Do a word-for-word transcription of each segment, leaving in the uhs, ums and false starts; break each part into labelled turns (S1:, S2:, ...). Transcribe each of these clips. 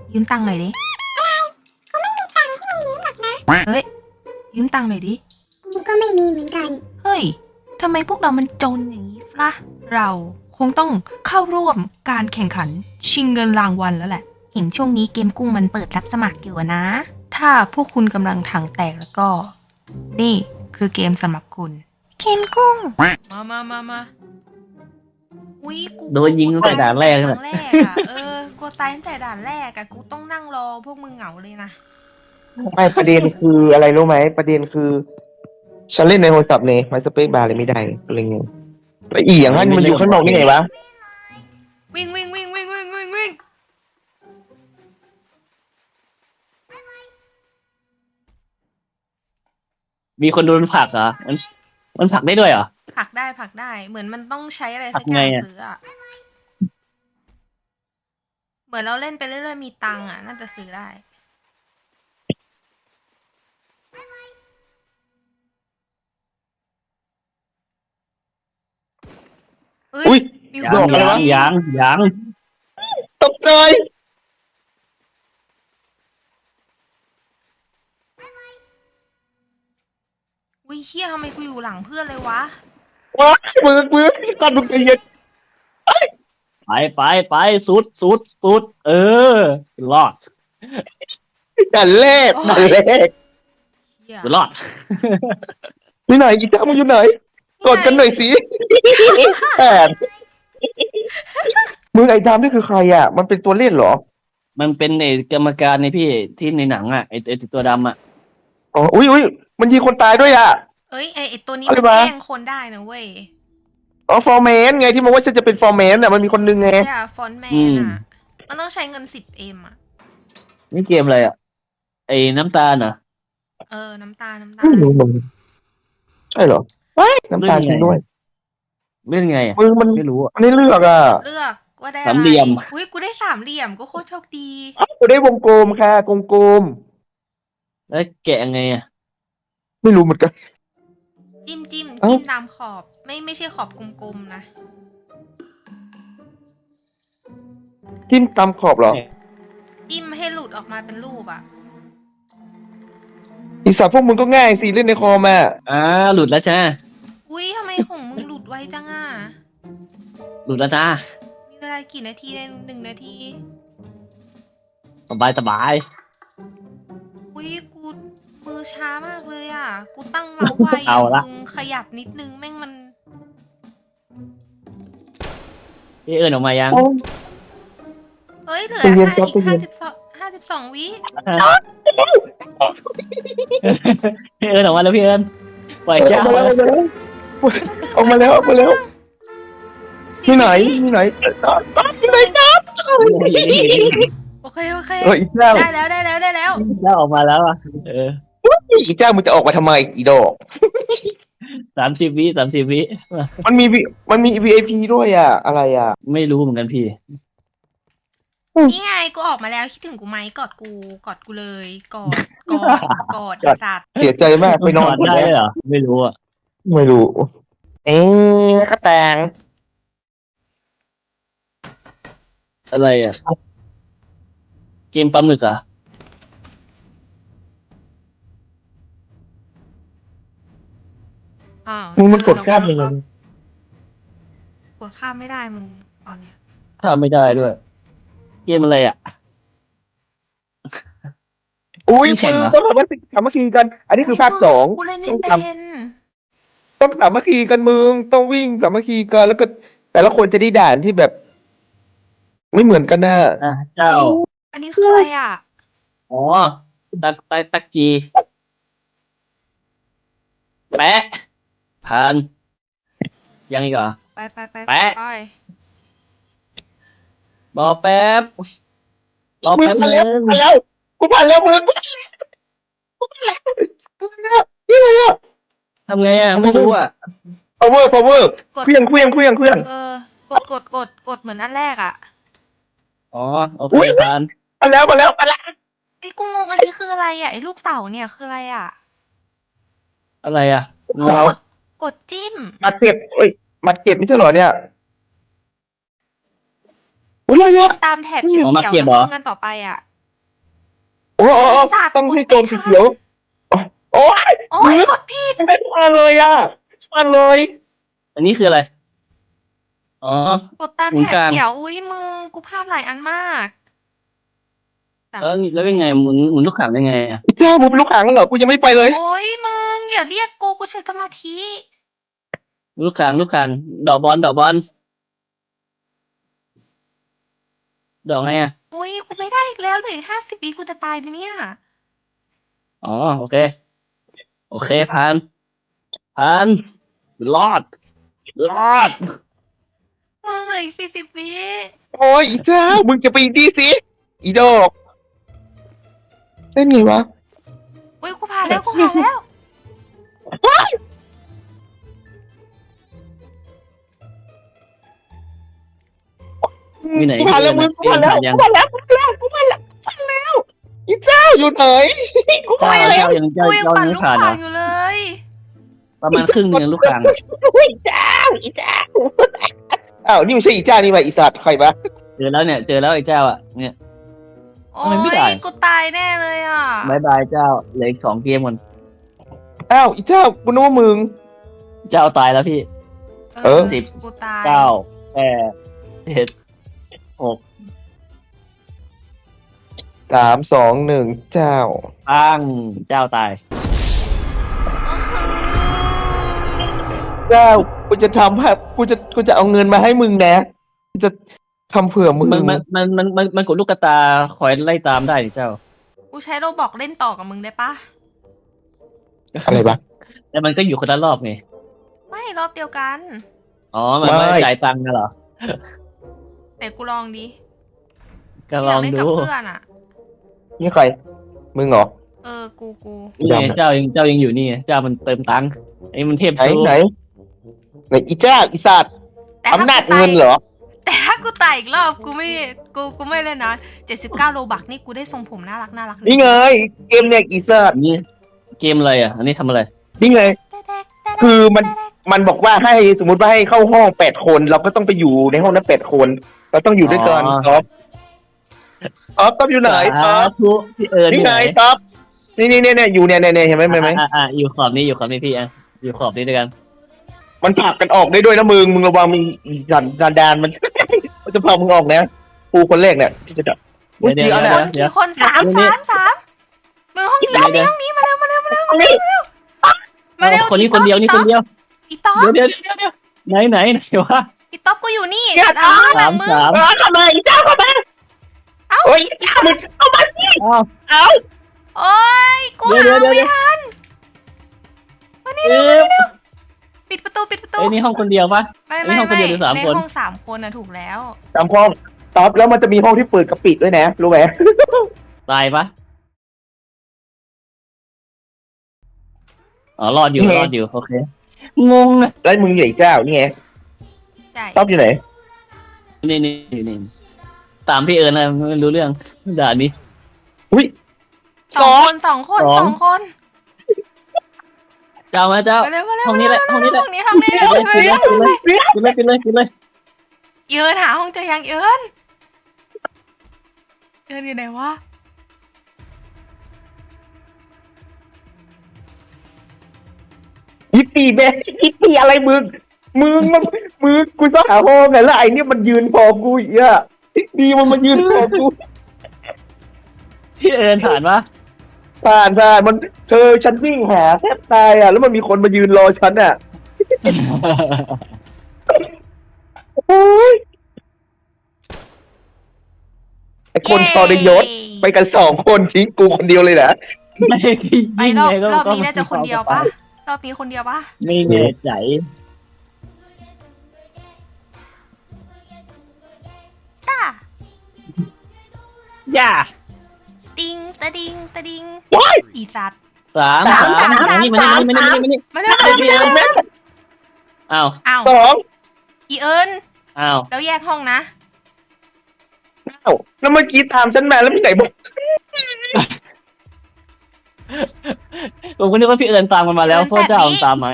S1: ยืมตังค์หน่อยดิเขาไม่มีตังค์ให้มึงยืมหรอกนะเฮ้ยยืมตังค์หน่อยดิ
S2: กูก็ไม่มีเหมือนกัน
S1: เฮ้ยทำไมพวกเรามันจนอย่างนี้ล่ะเราคงต้องเข้าร่วมการแข่งขันชิงเงินรางวัลแล้วแหละเห็นช่วงนี้เกมกุ้งมันเปิดรับสมัครอยู่นะ ถ้าพวกคุณกำลังถังแตกแล้วก็ นี่คือเกมสำหรับคุณเกมกุ้งมามามามาอุ้ยกู
S3: โดนยิงตั้งแต่ด่านแรกเลย
S1: ด่านแรกอะเออกูตายตั้งแต่ด่านแรกอะกูต้องนั่งรอพวกมึงเหงาเลยนะ
S4: ไม่ประเด็นคืออะไรรู้ไหมประเด็นคือฉันเล่นในโทรศัพท์เนี่ยมันสเปคบาร์เลยไม่ได้อะไรเงี้ยแล้วอีอย่างนั้นมันอยู่ข้างนอกนี่ไงวะ
S1: วิ่งวิ่งวิ่งวิ่งวิ่งวิ่งวิ่ง
S3: มีคนโดนผลักเหรอมันมันผลักได้ด้วยเหรอ
S1: ผลักได้ผลักได้เหมือนมันต้องใช้อะไร
S3: ผลั
S1: สั
S3: ก
S1: กอย่าง
S3: ไงอะ
S1: ซื้ออะเหมือนเราเล่นไปเรื่อยๆมีตังค์อะน่าจะซื้อได้เฮ้
S4: อุ้
S1: ย
S4: ย
S1: มีค
S3: ยั
S1: น
S3: ง
S1: โดน
S3: ยัง
S1: ยิง
S3: ยังยัง
S4: ตกใจ
S1: วิเฮียทำไมกูอยู่หลังเพื่อนเลยวะ
S4: ว้ามือมือกันมึงใจเย็น
S3: ไปไปไปสุดสุดสุดเออรอด
S4: ด่านแรกด่านแรก
S1: เฮีย
S3: รอด
S4: อยู่ไหนกีตาร์มึงอยู่ไหนกดกันหน่อยสิแอบมึงไอ้ดำนี่คือใครอ่ะ มันเป็นตัวเล่นเหรอ
S3: มันเป็นไอ้กรรมการในพี่ที่ในหนังอ่ะไอ้ไอ้ตัวดำอ่ะ
S4: อ๋ออุ้ยอุ้ยมันยิงคนตายด้วยอ่ะ
S1: เอ้ยไอไอตัวนี้
S4: อะไร
S1: มัน
S4: วะ
S1: แกล้งคนได้นะเว้ย
S4: อ๋อฟอร์แมนไงที่มันว่าฉันจะเป็นฟอร์แมนอ่ะมันมีคนนึงไง
S1: เนี่ยฟอนต์แมนอะมันต้องใช้เงินสิบเอ็มอะ
S3: นี่เกมอะไรอ่ะไอ้น้ำตาลเหรอ
S1: เออน้ำตาลน้ำตา
S4: ไม่
S1: ล
S4: รู้มึงใช่เหรอน้ำตาลจริงด้วย
S3: เล่นไงอ่ะ
S4: มึงมัน
S3: ไม่รู้อ่ะ
S4: มันไม่เลือกอ่ะ
S1: เลือกว่าได้อะไร
S3: สามเหลี่ยม
S1: อุ้ยกูได้สามเหลี่ยมก็โคตรโชคดี
S4: กูได้วงกลมค่ะกลมกลม
S3: แล้วแกะไงอ่ะ
S4: ๆไม่รู้เหมือนกัน
S1: จิ้มจิ้ม
S4: เอ้า
S1: จิ้มตามขอบไม่ไม่ใช่ขอบกลมๆนะ
S4: จิ้มตามขอบเหรอ
S1: จิ้มให้หลุดออกมาเป็นรูปอะ
S4: อีสัตว์พวกมึงก็ง่ายสิเล่นในคอมอ่ะ
S3: อ่าหลุดแล้วจ้า
S1: อุ้ยทำไมของมึงหลุดไวจังอะ
S3: หลุดแล้วจ้า
S1: มีเวลากี่นาทีในหนึ่งนาที
S3: สบายสบาย
S1: อุ้ยกูมือช้ามากเลยอะกูตั้งเมาส์ไว
S3: เอาละ
S1: มึงขยับนิดนึงแม่งมัน
S3: พี่เอิญออกมายัง
S1: เฮ้ยเหลือ
S4: ใจเย็น
S1: ห้า
S4: ครับ
S1: อีก
S4: ใจเย็
S1: ห้าน สิบสองห้าสิบสองวิ
S3: พี่เอิญออกมาแล้วพี่เอิญปล่อยเจ้า
S4: ออกมาแล้วออกมาแล้วออกมาแล้วที่ไหนที่ไหนที่ไหนครับ
S1: โอเคโอเค
S4: เอออีเจ้า
S1: ได้แล้วได้แล้วได้แล้ว
S3: เจ้าออกมาแล้วอ่ะเออ
S4: อีเจ้ามึงจะออกมาทำไมอีดอก
S3: สามสิบวิสามสิบวิ
S4: มันมี V- มันมี วี ไอ พี ด้วยอ่ะ อะไรอ่ะ
S3: ไม่รู้เหมือนกันพี่
S1: นี่ไงกูออกมาแล้วคิดถึงกูไหมกอดกูกอดกูเลยกอดกอดกอดไอ้สัตว์
S4: เสียใจมากไปนอน
S3: ได้เหรอไม่รู้อ่ะ
S4: ไม่รู้ เอ๊ะกระแตง
S3: อะไรอ่ะเกมปลาหมึกเหรอ่ะ
S1: อ้าว
S4: มึงมันกดข้ามยังไง
S1: กดข้ามไม่ได้มึงตอนเนี้ย
S3: ทำไม่ได้ด้วย เกมอะไรอ่ะ
S4: อุ้ย
S3: แข่
S4: มึ
S3: ง
S4: ง
S3: เหรอ
S4: ต้องสามัคคีสามัคคีกัน อันนี้คือภาคสอง
S1: กูเล่นไม่
S4: ต้อง
S1: เป็
S4: ท
S1: น
S4: ำต้องสามัคคีกันมึงต้องวิ่งสามัคคีกันแล้วก็ แต่ละคนจะได้ด่านที่แบบ ไม่เหมือนกันนะ
S3: อ่ะเจ้า
S1: อันนี้คืออะไรอ่ะ
S3: อ๋อตักตักตักจี แปะผ่านยังอีกเหรอ
S1: ไปไปไป
S3: แปะ
S1: ไป
S3: รอแป๊บรอ
S4: มึง
S3: แป๊บ
S4: ผ่าน
S3: นึ
S4: แล้ว
S3: ง
S4: ผ่านแล้วกูผ่านแล้วมึงกูผ่านแล้วกูผ่านแล้วนี่อะไรอ่ะ
S3: ทำไงอ่ะไม่รู้อ่ะ
S4: power power
S1: กด
S4: เครื่องเครื่องเครื่องเครื่อง
S1: เออกดกดกดกดเหมือนอันแรกอ่ะ
S3: อ๋อโอเค
S4: อุ๊ย
S3: ผ่าน
S4: มาแล้วมาแล้วมาแล้ว
S1: ไอ้กูงงอันนี้คืออะไรอ่ะไอ้ลูกเต่าเนี่ยคืออะไรอ่ะ
S3: อะไรอ่ะงง
S4: เอา
S1: กดจิ้ม
S4: มาเก็บเอ้ยมาเก็บไม่ใช่เหรอเนี่ยอุ้ยอะไรอ่ะ
S1: ตามแถบเขียว
S3: อ๋อมา
S1: เขียว
S3: เก็บเหรอ
S1: กันต่อไปอ่ะ
S4: โอ้โอ้ต้องให้โจมสีเขียวโอ้ย
S1: โอ้ยกดผิด
S4: ไม่มาเลยอ่ะมาเลย
S3: อันนี้คืออะไรอ๋อก
S1: ดตาม
S3: หมุน
S1: แถ
S3: ก
S1: บ
S3: ลาง
S1: เขียวอุ้ยมึงกูพลาดหลายอันมาก
S3: แล้วแล้วยังไงหมุนหมุนลูกข่างได้ไงอ่ะ
S4: เจ้าผมเป็นลูกหางเหรอกูยังไม่ไปเลย
S1: โอ้ยมึงอย่าเรียกกูกูใช้สมาธิ
S3: ลูกข่างลูกข่างดอกบอลดอกบอลดอกไงอ่ะ
S1: อุ้ยกูไม่ได้อีกแล้วเหลือห้าสิบวิกูจะตายไหมเนี่ย
S3: อ๋อโอเค โอเคผ่านผ่านรอดรอด
S1: มึงเหลืออีกสี่สิบวิ
S4: โอ้ยอีเจ้ามึงจะไปดีสิอีดอกเล่นไงวะ
S1: อุ้ยกูผ่านแล้วกูผ่านแล้ว
S3: มีไหน
S4: กูผ่านแล้วมึงกูผ่านแล้ว
S3: ยัง
S4: กูผ่านแล้วกูผ่านแล้วกูผ่านแล้วกูผ่านแล้วอีเจ้าอยู่ไหนกู
S3: เจ้า
S4: ผ่านแล้ว
S3: เจ้ายังเจ้า
S1: กูยัง
S3: เจ้า
S1: ปั่น
S3: ยัง
S1: ลู
S3: ไม่
S1: ก
S3: ผ่านเหร
S1: ข่า
S3: อง
S1: อยู่เลย
S3: ประมาณครึ่งหนึงลูกข่าง
S4: อุ้ยเจ้าอีเจ้าอ้าวนี่ไม่ใช่อีเจ้านี่มาอีสัตว์ใครปะ
S3: เจอแล้วเนี่ยเจอแล้วไอ้เจ้าอ่ะเนี่ย
S1: โอ้
S3: ทำไมไม่ได้
S1: ยกูตายแน่เลยอ่ะ
S3: บายบายเจ้าเหลืออีกสองเกมก่อน
S4: อ้าวอีเจ้ากูนึกว่ามึง
S3: เจ้าตายแล้วพี่
S4: เออ
S3: สิบ
S1: กูตาย
S3: เก้าแปดเจ็ดหก
S4: สามสองหนึ่งเจ้า
S3: ตั้งเจ้าตาย
S4: เจ้ากูจะทำให้กูจะกูจะเอาเงินมาให้มึงนะกูจะทำเผื่อมึง
S3: มันมันมันมันมันมันกดลูกกระตาคอยไล่ตามได้นี่เจ้า
S1: กูใช้โรบอกเล่นต่อกับมึงได้ปะ
S4: อะไรปะ
S3: แต่มันก็อยู่คนละรอบไง
S1: ไม่รอบเดียวกัน
S3: อ๋อมันไม่ได้จ่ายตังค์นะเหรอ
S1: ไหนกูลองดิ
S3: ก็ลอง
S1: ยากเล่น
S3: ดู
S1: กับเพื่อนอ่ะ
S4: นี่ใครมึงเหรอ
S1: เออกูกู
S3: นี่ไงเจ้ายังเจ้ายังอยู่นี่ไงเจ้ามันเติมตังค์ไอ้มันเทพ
S4: ไหน
S3: สู้
S4: ไหนไหนอีเจ้าอีสัตว์
S1: แต่ถ้า
S4: อำนาจ
S1: กูตาย
S4: เงินเหรอ
S1: แต่ถ้ากูตายอีกรอบกูไม่กูกูไม่เล่นนะเจ็ดสิบเก้าโลบักนี่กูได้ทรงผมน่ารักน่ารักเลย
S4: นี่ไงเกมเนี่ยอีสัตว์
S3: อันนี้เกมอะไรอ่ะ อันนี้ทำอะไร
S4: นี่ไง คือมัน มันบอกว่าให้สมมติว่าให้เข้าห้องแปดคน เราก็ต้องไปอยู่ในห้องนั้นแปดคน เราต้องอยู่ด้วยกัน
S3: อ๋อ
S4: ท็อปท็อปท็อปอยู่ไหนท็อป
S3: ทุพี่เอิญ
S4: นี่
S3: อยู่
S4: ไง
S3: ไหน
S4: ท็อปนี่นี่เนี่ยอยู่เนี่ยเนี่ยเห็นไหมเห็นไหม
S3: อ่ะอ่ะอยู่ขอบนี้อยู่ขอบนี้พี่อ่ะอยู่ขอบนี้ด้วยกัน
S4: มันผลักกันออกได้ด้วยนะมึงมึงระวังมีดันดันดานมัน มันจะพามึงออกนะปูคนแรกเนี่ยที่จะจับ
S3: เดี๋ยวเดี๋ยว
S4: จริง
S3: เดี๋
S4: ๆ
S3: ยว
S4: นะ
S3: เดี๋ยว
S1: กี่คนสามสามสามมึงห้องนี้ห้องนี้ห้องนี้มาเร็วมาเร็วมาเร็วมาเร็วมาเร็วมาเร็ว
S3: คนนี้คนเดียวนี่คนเดียว
S1: อีต๊อก
S3: เดี๋ยวเดี๋ยวเดี๋ยวเดี๋ยวไหนไหนไหนวะ
S1: อีต๊อกกูอยู่นี่
S4: เนี่ย
S1: หลังมึงห
S3: สา
S1: ลั
S3: ม
S1: งมึง
S3: สาม
S4: เออทำไมอีเจ้าทำไม
S1: เอ้า
S4: โอ้ยอีมึงเอามาสิ
S3: อ้าว
S4: เอา
S1: โอ้ยกู
S3: เดี๋ยว
S1: หา
S3: เดี๋ยวเดี๋
S1: ไม่
S3: ยว
S1: ทันมานี่
S3: เอ๊
S1: เร็วมานี่
S3: ะ
S1: เร็วปิดประตูปิดประตู
S3: ไอ้นี่ห้องคนเดียวปะ
S1: ไม่
S3: อัน
S1: ไม่
S3: นี้ห้องคน
S1: ไม่
S3: เดียวหรือสาม
S1: ใน
S3: คน
S1: ห้องสามคนนะถูกแล้ว
S4: ตามห้องท็อปแล้วมันจะมีห้องที่เปิดกับปิดด้วยนะรู้ไหม
S3: ตายปะอ๋อรอดอยู่รอดอยู่โอเคงงอะ
S4: แล้วมึงใหญ่เจ้านี่ไง
S1: ใช่
S4: ท็อปอยู่ไหน
S3: นี่นี่นี่นี่ตามพี่เอิญนะไม่รู้เรื่องด่านนี้
S4: อุ้ย
S1: สองคนสองคน
S3: สอง
S1: สองคน
S3: เจ้ามาเจ้า
S1: มาเร็วมาเร็ว
S3: ห้องนี้แหละห้องนี้แหละ
S1: ห้องนี้ห้องนี้
S3: ปิ
S1: เร็ว
S3: ดเลย
S1: เร็ว
S3: ปิดเลยปิดเลยปิดเลยปิดเลยปิดเลย
S1: เอิญหาห้องเจอยังเอิญเอิญอยู่ไหนวะ
S4: ยิปปี้แม่ยิปปี้อะไรมึงมึงมันมึงกูต้องหาห้องไงแล้วไอ้เนี่ยมันยืนพอกูอีกอ่ะดีมันมายืนพอกู
S3: พี่เอิญผ่านปะ
S4: ผ่านผ่านมันเธอฉันวิ่งหาแทบตายอ่ะแล้วมันมีคนมายืนรอฉันอ่ะโอ้ยไอ้คนทรยศไปกันสองคนทิ้งกูคนเดียวเลยนะ
S3: ไม่
S1: ไป
S3: ยิ่ง
S1: รอบ
S3: ไงก็
S1: รอบ
S3: ก็
S1: นี้น่าจะคนเดียวปะรอบนี้คนเดียวปะ
S3: ไม่แน่ใจ
S1: ต้า
S3: ย่า
S1: ติงตะดิงตะดิง
S4: ว้าย
S1: อีสัตว์
S3: สาม
S1: สามสาม
S3: มานี่มา
S1: สาม
S3: นี่มานี่มานี่
S1: มาเร็ว
S3: มานี่มานี่อ้าว
S1: อ้าว
S4: สอง
S1: อีเอิญ
S3: อ้าว
S1: แล้วแยกห้องนะ
S4: เอ้าแล้วเมื่อกี้ตามฉันมาแล้วพี่ไหนบอก
S3: ผมก็นึกว่าพี่เอิญตามกันมาแล้วเพราะเจ้าตามมา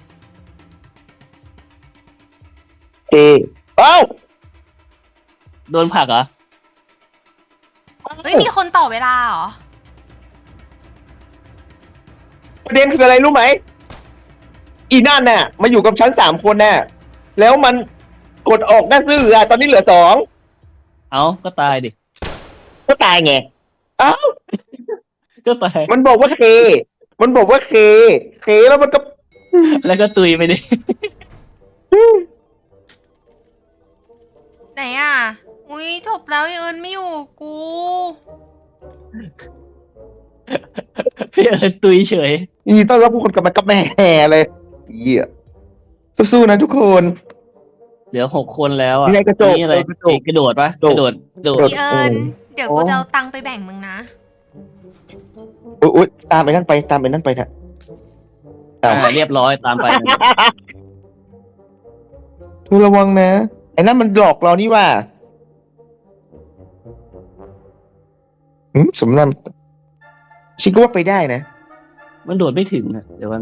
S4: เอเอ้า
S3: โดนผลักเหรอ
S1: เฮ้ยมีคนต่อเวลาเหรอ
S4: ประเด็นคืออะไรรู้ไหมอีนั่นน่ะมาอยู่กับฉันสามคนน่ะแล้วมันกดออกได้ซื่ออ่ะตอนนี้เหลือสอง
S3: เอาก็ตายดิ
S4: ก็ตายไงอ้าว
S3: ก็ตาย
S4: มันบอกว่าเค มันบอกว่าเค เคแล้วมันก็
S3: แล้วก็ตุยไปดิ
S1: ไหนอ่ะ อุ้ยจบแล้วยังเอิญไม่อยู่กู
S3: พี่เอิญตุยเฉย
S4: ยินดีต้อนรับผู้คนกลับมากับแม่เลยเหี้ยสู้ๆนะทุกคน
S3: เหลือหกคนแล้วอ่ะ
S4: นี่ไงกระจก
S3: นี่อะไร
S4: กระจก
S3: กระโดดปะ
S4: กระ
S3: ก
S4: โดด
S3: ระโดดกระโดด
S1: พี่เอิญเดี๋ยวกูจะเอาตังค์ไปแบ่งมึงนะ
S4: อุ๊ยอุ๊ยตามไปนั่นไปตามไปนั่นไปนะอ้าว
S3: อ่าเรียบร้อยตามไป
S4: ทุระวังนะไอ้นั่นมันหลอกเรานี่ว่าอืมสมนำชิคก็ว่าไปได้นะ
S3: มันโดดไม่ถึงอ่ะเดี๋ยวมัน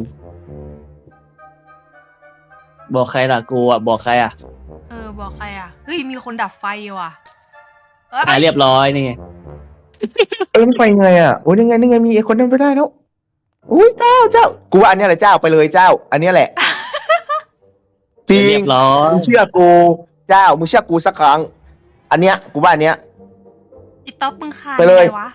S3: บอกใครล่ะกูอ่ะบอกใครอ่ะ
S1: เออ บอกใครอ่ะ เฮ้ย มีคนดับไฟว่ะ
S3: อ่าเรียบร้อยนี่ไง
S4: เออมันไปไงอ่ะโอ้ยยังไงยังไงมีไอ้คนนั้นไปได้แล้วอุ้ยเจ้าเจ้ากูว่าอันเนี้ยแหละเจ้าไปเลยเจ้า อันเนี้ยแหละ จริ
S3: เรี
S4: ง
S3: ยบร้อย
S4: มึงเชื่อกูเจ้ามึงเชื่อกูสักครั้ง อันเนี้ยกูว่าอันเนี้ย
S1: อีต๊อบมึงขาด
S4: ไปเลย
S1: งไงวะ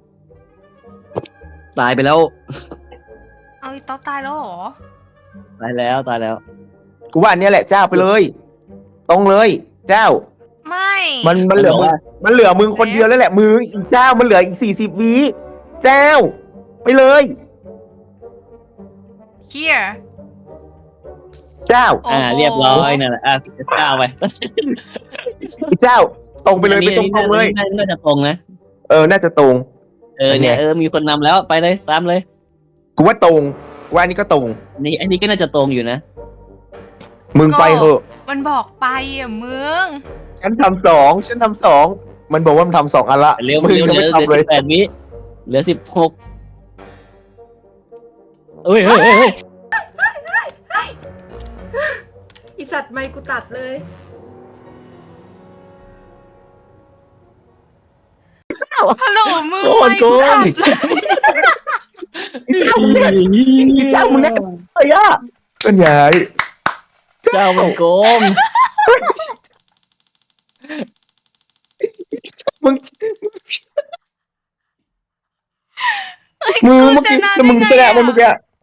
S3: ตายไปแล้ว
S1: เอาอีต๊อบตายแล้วเหรอ
S3: ตายแล้วตายแล้ว
S4: กูว่าอันเนี้ยแหละเจ้าไปเลย ตรงเลย เจ้า
S1: ไม่
S4: มันมันเหลือ
S3: มันบอก
S4: มึง
S3: ว่า
S4: มันเหลือมึงคนเดียวแล้วแหละมึงอีกเจ้ามันเหลืออีกสี่สิบวิเจ้า ไปเลย
S1: here
S4: เจ้า
S1: โอ้
S3: อ่า
S1: โห
S3: เรียบร้อยนั่นแหละอ่ะเก้าไป
S4: อีกเจ้า ตรงไปเลย
S3: อัน
S4: ไป
S3: นี้
S4: ตรงตรงๆเลย
S3: น่าน่าจะตรงนะ
S4: เออน่าจะตรง
S3: เออเนี่ยเออมีคนนำแล้วไปเลยตามเลย
S4: กูว่าตรงกูว่าอันนี้ก็ตรง
S3: อันนี้อันนี้ก็น่าจะตรงอยู่นะ
S4: มึงไปเถอะ
S1: มันบอกไปอ่ะมึง
S4: ฉันทำสองฉันทำสองมันบอกว่ามันทำสองอันละ
S3: เร็ว
S4: มึง
S3: เร็ว
S4: ยัง
S3: เหลื
S4: ไม่
S3: อเหลือ
S4: ทำเลย
S3: สิบแปดวิเหลือสิบหกเอ้ยเฮ้ยเฮ้ยเฮ้ย
S1: อีสัตว์ไม่กูตัดเลยฮัลโหลมึง
S3: โกน
S1: ไม่
S3: โก
S1: กูตั
S3: น
S1: ดเลย
S4: อีเจ้ามึงเนี่ยอีเจ้ามึงเนี่ยเฮ้ยอะต้นใหญ่
S3: เจ้ามันโกง
S4: มึง
S1: เฮ้ย
S4: มึง
S1: กู
S4: เมื่อ
S1: ช
S4: กี้
S1: นะ
S4: แล้วมึงช
S1: ได้
S4: นะ
S1: ไง
S4: มันเมื่อกี้
S1: อะ